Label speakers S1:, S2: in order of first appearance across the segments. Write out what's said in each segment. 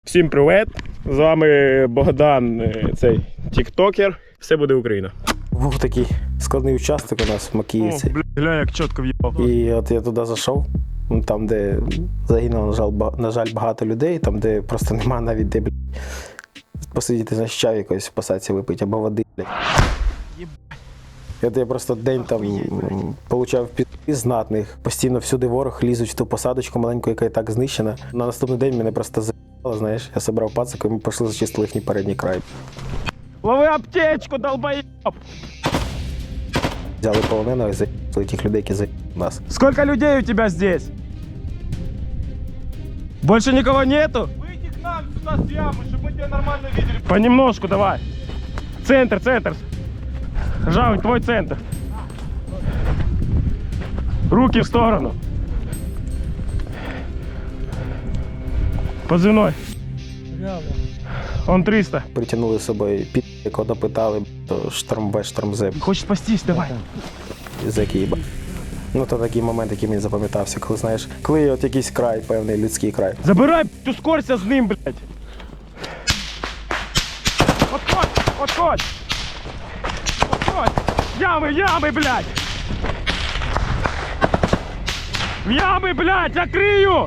S1: Всім привіт! З вами Богдан, цей тіктокер. Все буде Україна.
S2: Був такий складний участок у нас в Макіївці.
S1: О, бля, як чітко в'їбав.
S2: І от я туди зайшов, там, де загинуло, на жаль, багато людей, там, де просто нема навіть де, посидіти, знаєш, чай якось в посадці випити, або води, блядь. Я просто день там получав пізди знатних. Постійно всюди ворог лізуть в ту посадочку маленьку, яка і так знищена. На наступний день мене просто заїбало, знаєш. Я собрав пацаку, і ми пішли зачистили їхній передній край.
S1: Лови аптечку, долбоєб!
S2: Взяли полоненого і заїбали тих людей, які заїбали нас.
S1: Сколько людей у тебя здесь? Больше никого нету? Выйди к нам сюда с ямы, чтобы мы тебя нормально видели. Понемножку давай. Центр, центр. Жавень, твой центр. Руки в сторону. Позывной. Он 300.
S2: Притягнули з собою під, якого допитали, то шторм-Б, шторм-З.
S1: Хочешь спастись? Давай.
S2: Зеки їба. Ну, то такий момент, який мені запам'ятався, коли, знаєш, коли є от якийсь край, певний людський край.
S1: Забирай, ускорься з ним, блядь. Отходь, отходь. Отходь. Ямы, ямы, блядь. В ямы, блядь, я крию.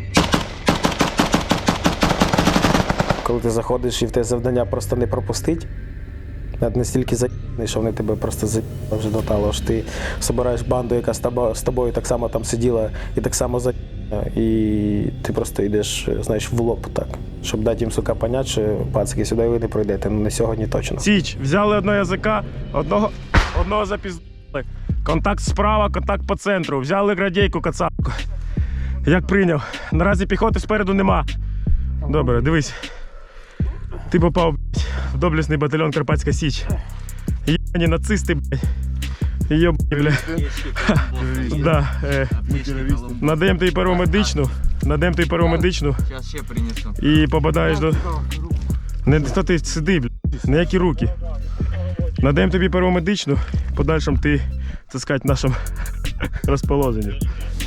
S2: Коли ти заходиш і в те завдання просто не пропустить, навіть настільки заїбаний, що вони тебе просто заїбали вже до того, що ти збираєш банду, яка з тобою так само там сиділа і так само заїбана, і ти просто йдеш, знаєш, в лоб так, щоб дати їм, сука, понять, що пацики, сюди ви не пройдете, ну не сьогодні точно.
S1: Січ, взяли одного язика, одного запіздали. Контакт справа, контакт по центру. Взяли градійку, кацапку. Як прийняв. Наразі піхоти спереду нема. Добре, дивись. Ти попав, блядь, в доблесний батальйон Карпатська Січ. Єбані нацисти, блядь. Йобані, блядь. Да, надаємо тобі первомедичну.
S3: Сейчас ще принесу.
S1: І попадаєш до... Не то ти сиди, блядь. Ніякі руки. Надаємо тобі первомедичну. В подальшому ти, так сказати, в нашому розположенні.